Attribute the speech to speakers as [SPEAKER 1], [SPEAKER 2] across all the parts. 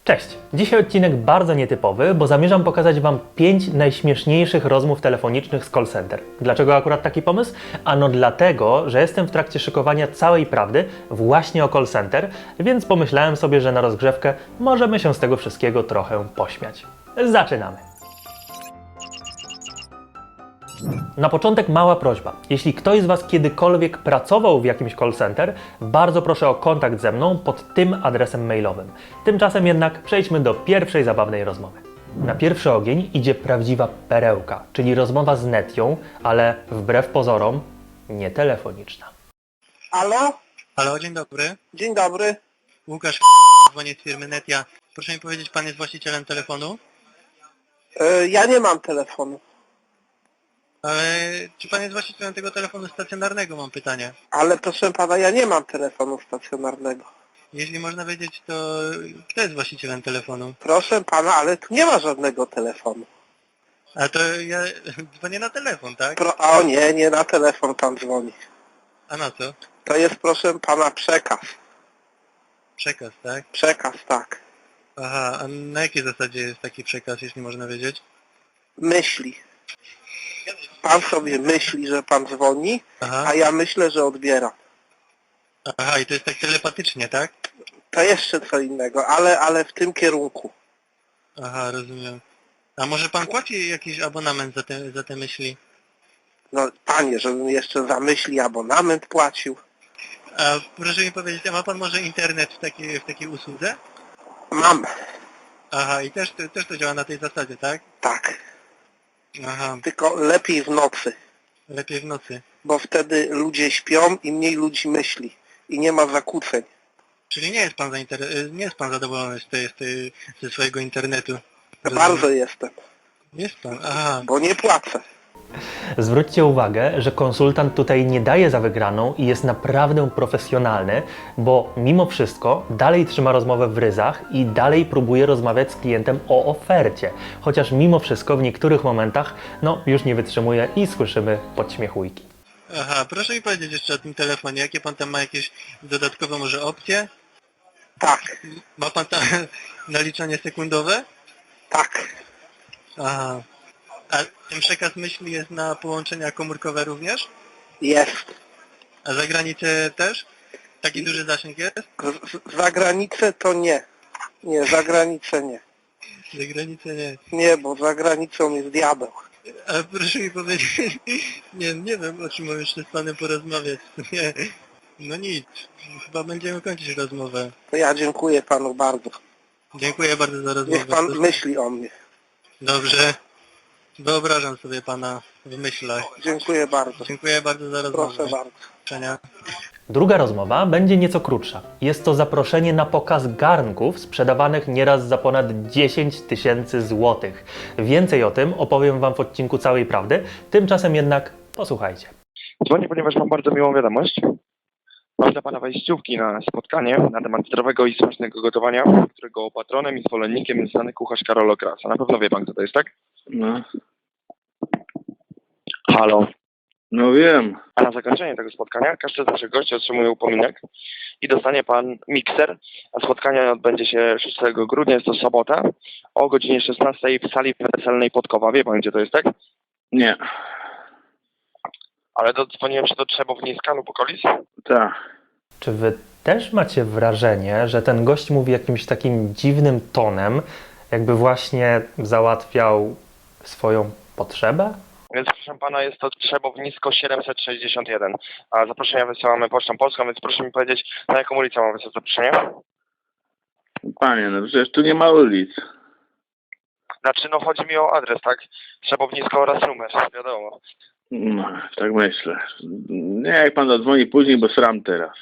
[SPEAKER 1] Cześć! Dzisiaj odcinek bardzo nietypowy, bo zamierzam pokazać Wam 5 najśmieszniejszych rozmów telefonicznych z call center. Dlaczego akurat taki pomysł? Ano dlatego, że jestem w trakcie szykowania całej prawdy właśnie o call center, więc pomyślałem sobie, że na rozgrzewkę możemy się z tego wszystkiego trochę pośmiać. Zaczynamy! Na początek mała prośba. Jeśli ktoś z Was kiedykolwiek pracował w jakimś call center, bardzo proszę o kontakt ze mną pod tym adresem mailowym. Tymczasem jednak przejdźmy do pierwszej zabawnej rozmowy. Na pierwszy ogień idzie prawdziwa perełka, czyli rozmowa z Netią, ale wbrew pozorom nie telefoniczna.
[SPEAKER 2] Halo?
[SPEAKER 3] Halo, dzień dobry.
[SPEAKER 2] Dzień dobry.
[SPEAKER 3] Łukasz, dzwonię z firmy Netia. Proszę mi powiedzieć, pan jest właścicielem telefonu?
[SPEAKER 2] Ja nie mam telefonu,
[SPEAKER 3] Ale czy pan jest właścicielem tego telefonu stacjonarnego, mam pytanie.
[SPEAKER 2] ale proszę pana, ja nie mam telefonu stacjonarnego.
[SPEAKER 3] Jeśli można wiedzieć, to kto jest właścicielem telefonu?
[SPEAKER 2] Proszę pana, ale tu nie ma żadnego telefonu.
[SPEAKER 3] A to ja dzwonię na telefon, tak?
[SPEAKER 2] O nie, nie na telefon pan dzwoni.
[SPEAKER 3] A na co?
[SPEAKER 2] To jest proszę pana przekaz.
[SPEAKER 3] Przekaz, tak?
[SPEAKER 2] Przekaz, tak.
[SPEAKER 3] Aha, a na jakiej zasadzie jest taki przekaz, jeśli można wiedzieć?
[SPEAKER 2] Myśli. Pan sobie myśli, że pan dzwoni,
[SPEAKER 3] Aha,
[SPEAKER 2] a ja myślę, że odbieram.
[SPEAKER 3] aha, i to jest tak telepatycznie, tak?
[SPEAKER 2] To jeszcze co innego, ale w tym kierunku.
[SPEAKER 3] Aha, rozumiem. A może pan płaci jakiś abonament za te myśli?
[SPEAKER 2] No panie, żebym jeszcze za myśli abonament płacił.
[SPEAKER 3] A proszę mi powiedzieć, a ma pan może internet w takiej usłudze?
[SPEAKER 2] Mam,
[SPEAKER 3] Aha, i też to działa na tej zasadzie, tak?
[SPEAKER 2] tak.
[SPEAKER 3] Aha,
[SPEAKER 2] Tylko lepiej w nocy.
[SPEAKER 3] lepiej w nocy.
[SPEAKER 2] Bo wtedy ludzie śpią i mniej ludzi myśli i nie ma zakłóceń.
[SPEAKER 3] Czyli nie jest pan zadowolony ze swojego internetu?
[SPEAKER 2] Bardzo jestem,
[SPEAKER 3] Jest pan, aha.
[SPEAKER 2] bo nie płacę.
[SPEAKER 1] Zwróćcie uwagę, że konsultant tutaj nie daje za wygraną i jest naprawdę profesjonalny, bo mimo wszystko dalej trzyma rozmowę w ryzach i dalej próbuje rozmawiać z klientem o ofercie. Chociaż mimo wszystko w niektórych momentach już nie wytrzymuje i słyszymy podśmiechujki.
[SPEAKER 3] Aha, proszę mi powiedzieć jeszcze o tym telefonie. Jakie pan tam ma jakieś dodatkowe może opcje?
[SPEAKER 2] Tak,
[SPEAKER 3] Ma pan tam naliczanie sekundowe?
[SPEAKER 2] tak,
[SPEAKER 3] Aha. A ten przekaz myśli jest na połączenia komórkowe również?
[SPEAKER 2] jest.
[SPEAKER 3] A za granicę też? Taki duży zasięg jest?
[SPEAKER 2] Za granicę to nie. Nie, za granicę nie.
[SPEAKER 3] Za granicę nie.
[SPEAKER 2] Nie, bo za granicą jest diabeł.
[SPEAKER 3] A proszę mi powiedzieć, nie wiem o czym mam jeszcze z panem porozmawiać. Nie, no nic, chyba będziemy kończyć rozmowę.
[SPEAKER 2] To ja dziękuję panu bardzo.
[SPEAKER 3] Dziękuję bardzo za rozmowę.
[SPEAKER 2] Niech pan myśli o mnie.
[SPEAKER 3] Dobrze, wyobrażam sobie pana w myślach.
[SPEAKER 2] Dziękuję bardzo.
[SPEAKER 3] Dziękuję bardzo za rozmowę.
[SPEAKER 2] Proszę bardzo.
[SPEAKER 3] Do widzenia.
[SPEAKER 1] Druga rozmowa będzie nieco krótsza. Jest to zaproszenie na pokaz garnków sprzedawanych nieraz za ponad 10 000 złotych. Więcej o tym opowiem Wam w odcinku Całej Prawdy, tymczasem jednak posłuchajcie.
[SPEAKER 4] Dzwonię, ponieważ mam bardzo miłą wiadomość. Mam dla Pana wejściówki na spotkanie na temat zdrowego i smacznego gotowania, którego patronem i zwolennikiem jest znany kucharz Karol Okrasa. Na pewno wie Pan, kto to jest, tak?
[SPEAKER 5] No,
[SPEAKER 4] Halo.
[SPEAKER 5] no wiem.
[SPEAKER 4] A na zakończenie tego spotkania każdy z naszych gości otrzymuje upominek i dostanie Pan mikser, a spotkanie odbędzie się 6 grudnia, jest to sobota, o godzinie 16 w sali weselnej Podkowa. Wie Pan, gdzie to jest, tak?
[SPEAKER 5] Nie.
[SPEAKER 4] Ale dzwoniłem się do Trzebowniska lub okolic.
[SPEAKER 5] Tak.
[SPEAKER 1] Czy Wy też macie wrażenie, że ten gość mówi jakimś takim dziwnym tonem, jakby właśnie załatwiał swoją potrzebę?
[SPEAKER 4] Więc proszę Pana, jest to Trzebownisko 761, a zaproszenia wysyłamy Pocztą Polską, więc proszę mi powiedzieć, na jaką ulicę mam wysłać zaproszenie?
[SPEAKER 5] Panie, no przecież tu nie ma ulic.
[SPEAKER 4] Znaczy, no chodzi mi o adres, tak? Trzebownisko oraz numer, wiadomo.
[SPEAKER 5] No, tak myślę. Nie, jak pan zadzwoni później, bo sram teraz.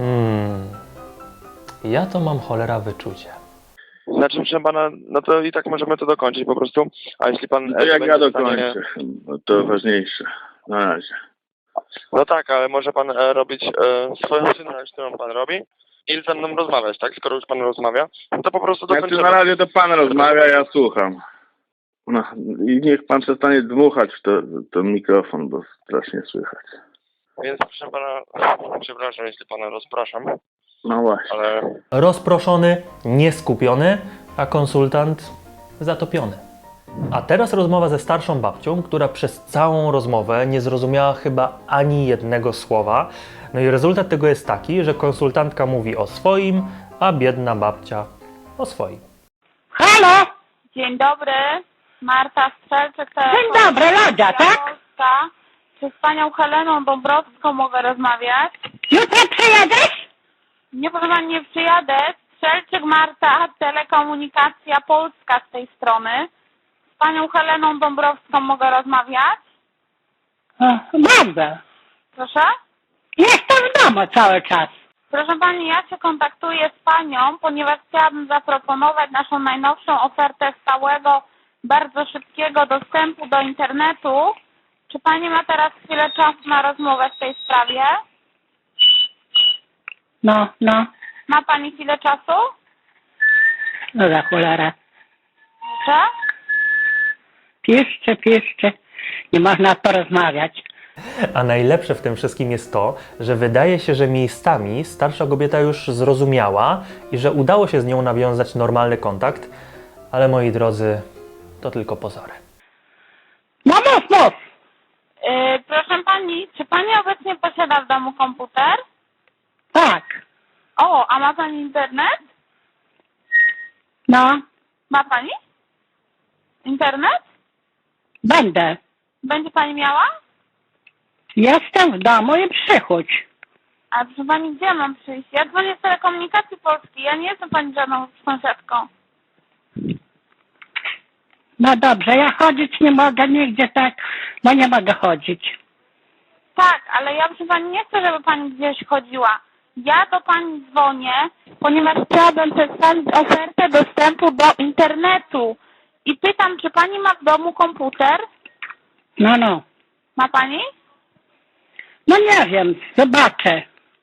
[SPEAKER 1] Ja to mam cholera wyczucie.
[SPEAKER 4] Znaczy, proszę Pana, no to i tak możemy to dokończyć po prostu, a jeśli Pan...
[SPEAKER 5] No jak
[SPEAKER 4] będzie
[SPEAKER 5] ja
[SPEAKER 4] w stanie-
[SPEAKER 5] dokończę, no to ważniejsze. Na razie.
[SPEAKER 4] No tak, ale może Pan robić swoją czynność, którą Pan robi i ze mną rozmawiać, tak? Skoro już Pan rozmawia, no to po prostu
[SPEAKER 5] Znaczy
[SPEAKER 4] dokończymy.
[SPEAKER 5] na razie to pan rozmawia, ja słucham. No i niech pan przestanie dmuchać w to mikrofon, bo strasznie słychać.
[SPEAKER 4] Więc proszę Pana, przepraszam, jeśli Pana rozpraszam,
[SPEAKER 5] No właśnie.
[SPEAKER 4] ale...
[SPEAKER 1] Rozproszony, nieskupiony, a konsultant zatopiony. A teraz rozmowa ze starszą babcią, która przez całą rozmowę nie zrozumiała chyba ani jednego słowa. No i rezultat tego jest taki, że konsultantka mówi o swoim, a biedna babcia o swoim.
[SPEAKER 6] Halo?
[SPEAKER 7] Dzień dobry, Marta Strzelczyk.
[SPEAKER 6] Dzień dobry, Lodzia, tak?
[SPEAKER 7] Polska. Czy z panią Heleną Dąbrowską mogę rozmawiać?
[SPEAKER 6] Jutro przyjedziesz?
[SPEAKER 7] Nie, proszę pani, nie przyjadę. Strzelczyk Marta, Telekomunikacja Polska z tej strony. Z panią Heleną Dąbrowską mogę rozmawiać?
[SPEAKER 6] Bardzo.
[SPEAKER 7] Proszę?
[SPEAKER 6] Jestem w domu cały czas.
[SPEAKER 7] Proszę pani, ja się kontaktuję z panią, ponieważ chciałabym zaproponować naszą najnowszą ofertę stałego, bardzo szybkiego dostępu do internetu. Czy pani ma teraz chwilę czasu na rozmowę w tej sprawie?
[SPEAKER 6] No.
[SPEAKER 7] Ma pani chwilę czasu?
[SPEAKER 6] No za cholera.
[SPEAKER 7] Proszę?
[SPEAKER 6] Piszcie. Nie można porozmawiać.
[SPEAKER 1] A najlepsze w tym wszystkim jest to, że wydaje się, że miejscami starsza kobieta już zrozumiała i że udało się z nią nawiązać normalny kontakt, ale moi drodzy, to tylko pozory.
[SPEAKER 6] No mów.
[SPEAKER 7] Proszę pani, czy pani obecnie posiada w domu komputer?
[SPEAKER 6] Tak.
[SPEAKER 7] O, a ma pani internet?
[SPEAKER 6] No,
[SPEAKER 7] Ma pani? Internet?
[SPEAKER 6] będę.
[SPEAKER 7] Będzie pani miała?
[SPEAKER 6] Jestem w domu i przychodź.
[SPEAKER 7] A proszę pani, gdzie mam przyjść? Ja dzwonię z Telekomunikacji Polskiej, ja nie jestem pani żadną sąsiadką.
[SPEAKER 6] No dobrze, ja chodzić nie mogę nigdzie tak, bo nie mogę chodzić.
[SPEAKER 7] Tak, ale ja proszę pani nie chcę, żeby pani gdzieś chodziła. Ja do pani dzwonię, ponieważ chciałabym przedstawić ofertę dostępu do internetu. I pytam, czy pani ma w domu komputer?
[SPEAKER 6] No.
[SPEAKER 7] Ma pani?
[SPEAKER 6] No nie wiem, zobaczę.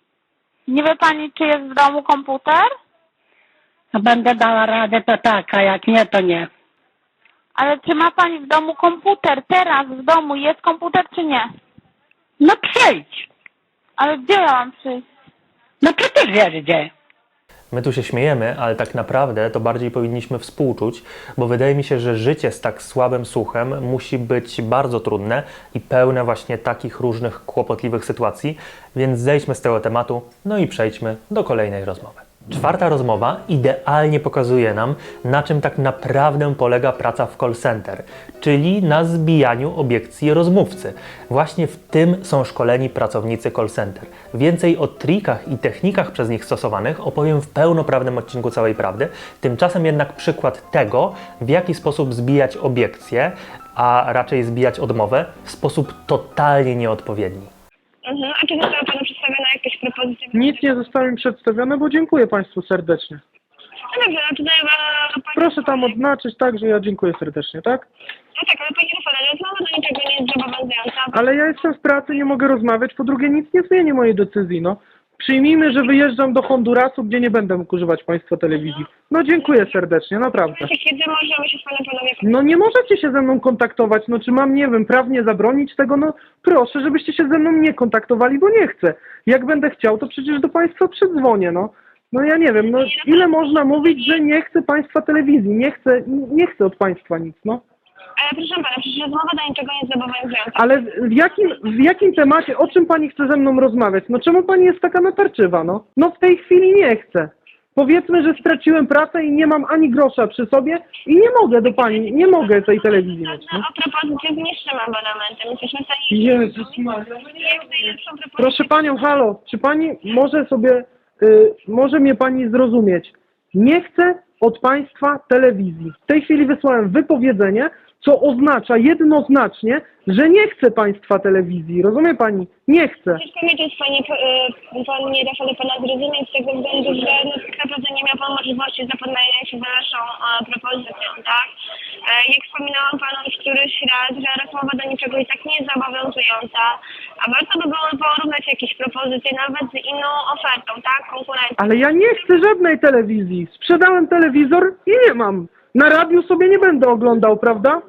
[SPEAKER 7] Nie wie pani, czy jest w domu komputer?
[SPEAKER 6] No będę dała radę, to tak, a jak nie, to nie.
[SPEAKER 7] Ale czy ma pani w domu komputer? Teraz w domu jest komputer, czy nie?
[SPEAKER 6] No przyjdź.
[SPEAKER 7] Ale gdzie ja mam przyjść?
[SPEAKER 6] No przecież wiesz gdzie.
[SPEAKER 1] My tu się śmiejemy, ale tak naprawdę to bardziej powinniśmy współczuć, bo wydaje mi się, że życie z tak słabym słuchem musi być bardzo trudne i pełne właśnie takich różnych kłopotliwych sytuacji, więc zejdźmy z tego tematu, no i przejdźmy do kolejnej rozmowy. Czwarta rozmowa idealnie pokazuje nam, na czym tak naprawdę polega praca w call center, czyli na zbijaniu obiekcji rozmówcy. Właśnie w tym są szkoleni pracownicy call center. Więcej o trikach i technikach przez nich stosowanych opowiem w pełnoprawnym odcinku Całej Prawdy. Tymczasem jednak przykład tego, w jaki sposób zbijać obiekcje, a raczej zbijać odmowę w sposób totalnie nieodpowiedni.
[SPEAKER 8] A czy została Panu przedstawiona jakaś propozycja?
[SPEAKER 9] Nic nie zostało mi przedstawione, bo dziękuję Państwu serdecznie.
[SPEAKER 8] No dobrze, no tutaj Pani...
[SPEAKER 9] Proszę tam odznaczyć tak, że ja dziękuję serdecznie, tak?
[SPEAKER 8] No tak, ale Pani Rafale, rozmowa do niczego nie jest zobowiązująca.
[SPEAKER 9] Ale ja jestem w pracy, nie mogę rozmawiać, po drugie nic nie zmieni mojej decyzji, no. Przyjmijmy, że wyjeżdżam do Hondurasu, gdzie nie będę mógł używać Państwa telewizji. No dziękuję serdecznie, naprawdę.
[SPEAKER 8] Kiedy możemy się z Panem panowie...
[SPEAKER 9] No nie możecie się ze mną kontaktować, no czy mam, nie wiem, prawnie zabronić tego? No proszę, żebyście się ze mną nie kontaktowali, bo nie chcę. Jak będę chciał, to przecież do Państwa przydzwonię, no. No ja nie wiem, no ile można mówić, że nie chcę Państwa telewizji, nie chcę od Państwa nic, no.
[SPEAKER 8] Ale proszę Pana, przecież rozmowa do niczego nie jest zobowiązująca.
[SPEAKER 9] Ale w jakim temacie, o czym Pani chce ze mną rozmawiać? No czemu Pani jest taka natarczywa, no? No w tej chwili nie chcę. Powiedzmy, że straciłem pracę i nie mam ani grosza przy sobie i nie mogę do Pani, nie mogę tej telewizji mieć, no.
[SPEAKER 8] O propozycję zniższym abonamentem. Jesteśmy w stanie...
[SPEAKER 9] Jezus Maria.
[SPEAKER 8] Jak najlepszą propozycję...
[SPEAKER 9] Proszę Panią, halo, czy Pani może sobie, może mnie Pani zrozumieć? Nie chcę od Państwa telewizji. W tej chwili wysłałem wypowiedzenie, co oznacza jednoznacznie, że nie chcę Państwa telewizji. Rozumie Pani? Nie chcę.
[SPEAKER 8] Ciężko mi to jest Panie Rafale Pana zrozumieć z tego względu, że no, tak naprawdę nie miał Pan możliwości zapoznania się z naszą propozycją, tak? Jak wspominałam Panu już któryś raz, że rozmowa do niczego i tak nie jest zobowiązująca, a warto by było porównać jakieś propozycje nawet z inną ofertą, tak? Konkurencją.
[SPEAKER 9] Ale ja nie chcę żadnej telewizji. Sprzedałem telewizor i nie mam. Na radiu sobie nie będę oglądał, prawda?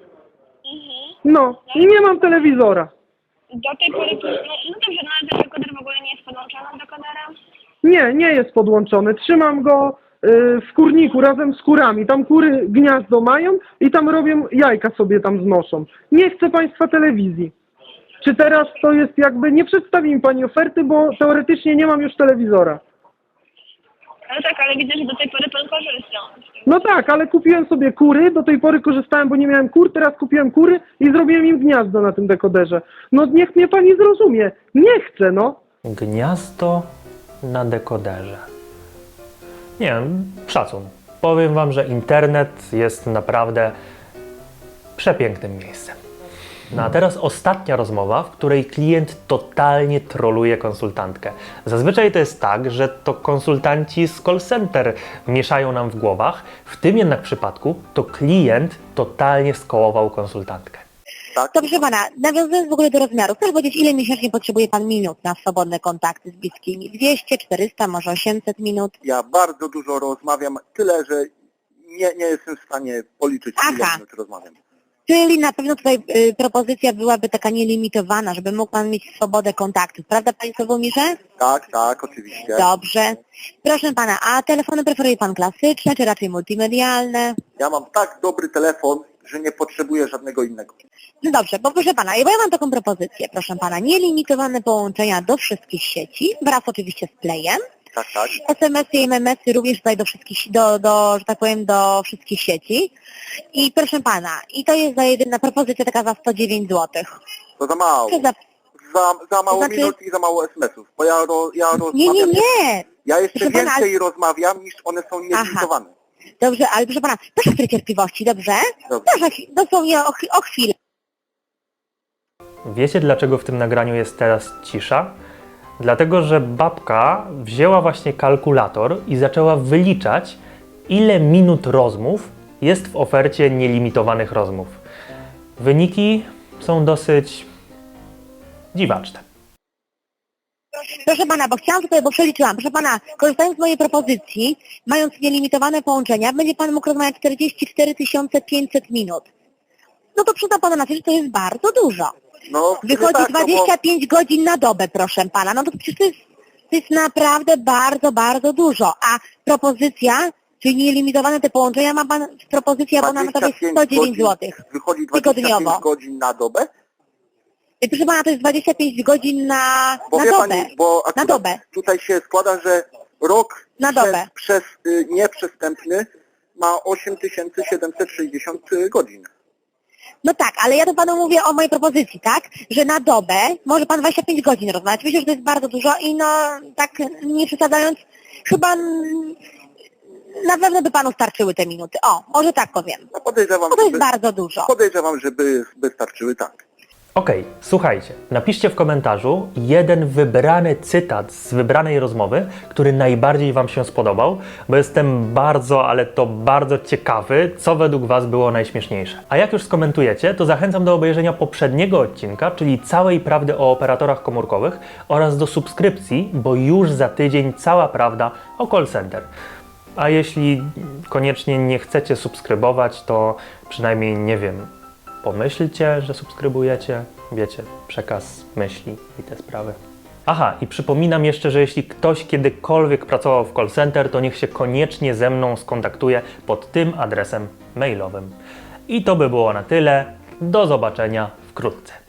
[SPEAKER 9] No, i nie mam telewizora.
[SPEAKER 8] Do tej pory, no dobrze, no ale ten dekoder w ogóle nie jest podłączony dekoderem?
[SPEAKER 9] Nie jest podłączony. Trzymam go w kurniku razem z kurami. Tam kury gniazdo mają i tam robią, jajka sobie tam znoszą. Nie chcę państwa telewizji. Czy teraz to jest jakby, nie przedstawi mi pani oferty, bo teoretycznie nie mam już telewizora.
[SPEAKER 8] No tak, ale widzę, że do tej pory pan korzystał.
[SPEAKER 9] No tak, ale kupiłem sobie kury, do tej pory korzystałem, bo nie miałem kur, teraz kupiłem kury i zrobiłem im gniazdo na tym dekoderze. No niech mnie pani zrozumie. Nie chcę, no.
[SPEAKER 1] Gniazdo na dekoderze. Nie wiem, szacun. Powiem wam, że internet jest naprawdę przepięknym miejscem. No a teraz ostatnia rozmowa, w której klient totalnie troluje konsultantkę. Zazwyczaj to jest tak, że to konsultanci z call center mieszają nam w głowach. W tym jednak przypadku to klient totalnie skołował konsultantkę.
[SPEAKER 2] Tak?
[SPEAKER 10] To proszę pana, nawiązując w ogóle do rozmiarów, proszę powiedzieć, ile miesięcznie potrzebuje pan minut na swobodne kontakty z bliskimi? 200, 400, może 800 minut?
[SPEAKER 2] Ja bardzo dużo rozmawiam, tyle, że nie jestem w stanie policzyć, ile
[SPEAKER 10] Aha.
[SPEAKER 2] minut rozmawiam.
[SPEAKER 10] Czyli na pewno tutaj propozycja byłaby taka nielimitowana, żeby mógł pan mieć swobodę kontaktów. Prawda, panie Sławomirze?
[SPEAKER 2] Tak, oczywiście.
[SPEAKER 10] Dobrze. Proszę pana, a telefony preferuje pan klasyczne, czy raczej multimedialne?
[SPEAKER 2] Ja mam tak dobry telefon, że nie potrzebuję żadnego innego.
[SPEAKER 10] No dobrze, bo proszę pana, bo ja mam taką propozycję, proszę pana, nielimitowane połączenia do wszystkich sieci, wraz oczywiście z playem.
[SPEAKER 2] Tak.
[SPEAKER 10] SMS-y i MMS-y również tutaj do wszystkich, że tak powiem, do wszystkich sieci. I proszę pana, i to jest za jedyna propozycja taka za 109 zł.
[SPEAKER 2] To za mało. Za mało
[SPEAKER 10] znaczy-
[SPEAKER 2] minut i za mało SMS-ów. Bo ja rozmawiam...
[SPEAKER 10] Nie.
[SPEAKER 2] Ja jeszcze
[SPEAKER 10] Proszę pana,
[SPEAKER 2] więcej rozmawiam, niż one są nielimitowane.
[SPEAKER 10] Dobrze, ale proszę pana, proszę chwilę cierpliwości, dobrze?
[SPEAKER 2] Dobrze.
[SPEAKER 10] Proszę, dosłownie o chwilę.
[SPEAKER 1] Wiecie, dlaczego w tym nagraniu jest teraz cisza? Dlatego, że babka wzięła właśnie kalkulator i zaczęła wyliczać, ile minut rozmów jest w ofercie nielimitowanych rozmów. Wyniki są dosyć dziwaczne.
[SPEAKER 10] Proszę pana, bo chciałam tutaj, bo przeliczyłam. Proszę pana, korzystając z mojej propozycji, mając nielimitowane połączenia, będzie pan mógł rozmawiać 44 500 minut. No to przyda pana na to, że to jest bardzo dużo.
[SPEAKER 2] No,
[SPEAKER 10] Wychodzi
[SPEAKER 2] tak,
[SPEAKER 10] 25 godzin na dobę, proszę pana. No to przecież to jest naprawdę bardzo, bardzo dużo. A propozycja, czyli nielimitowane te połączenia, ma pan w propozycji abonamentowej 109 zł.
[SPEAKER 2] Wychodzi
[SPEAKER 10] tygodniowo.
[SPEAKER 2] 25 godzin na dobę?
[SPEAKER 10] I proszę pana, to jest 25 godzin na
[SPEAKER 2] Bo wie
[SPEAKER 10] dobę.
[SPEAKER 2] pani, bo
[SPEAKER 10] Na
[SPEAKER 2] akurat
[SPEAKER 10] dobę.
[SPEAKER 2] tutaj się składa, że rok
[SPEAKER 10] Na dobę.
[SPEAKER 2] przez nieprzestępny ma 8760 godzin.
[SPEAKER 10] No tak, ale ja to panu mówię o mojej propozycji, tak? Że na dobę może pan 25 godzin rozmawiać. Myślę, że to jest bardzo dużo i no tak nie przesadzając, chyba na pewno by panu starczyły te minuty. O, może tak powiem.
[SPEAKER 2] No podejrzewam,
[SPEAKER 10] Bo to jest bardzo dużo.
[SPEAKER 2] podejrzewam, że by starczyły, tak.
[SPEAKER 1] Okej, słuchajcie, napiszcie w komentarzu jeden wybrany cytat z wybranej rozmowy, który najbardziej wam się spodobał, bo jestem bardzo, ale to bardzo ciekawy, co według was było najśmieszniejsze. A jak już skomentujecie, to zachęcam do obejrzenia poprzedniego odcinka, czyli całej prawdy o operatorach komórkowych oraz do subskrypcji, bo już za tydzień cała prawda o call center. A jeśli koniecznie nie chcecie subskrybować, to przynajmniej, nie wiem, pomyślcie, że subskrybujecie, wiecie, przekaz myśli i te sprawy. Aha, i przypominam jeszcze, że jeśli ktoś kiedykolwiek pracował w call center, to niech się koniecznie ze mną skontaktuje pod tym adresem mailowym. I to by było na tyle. Do zobaczenia wkrótce.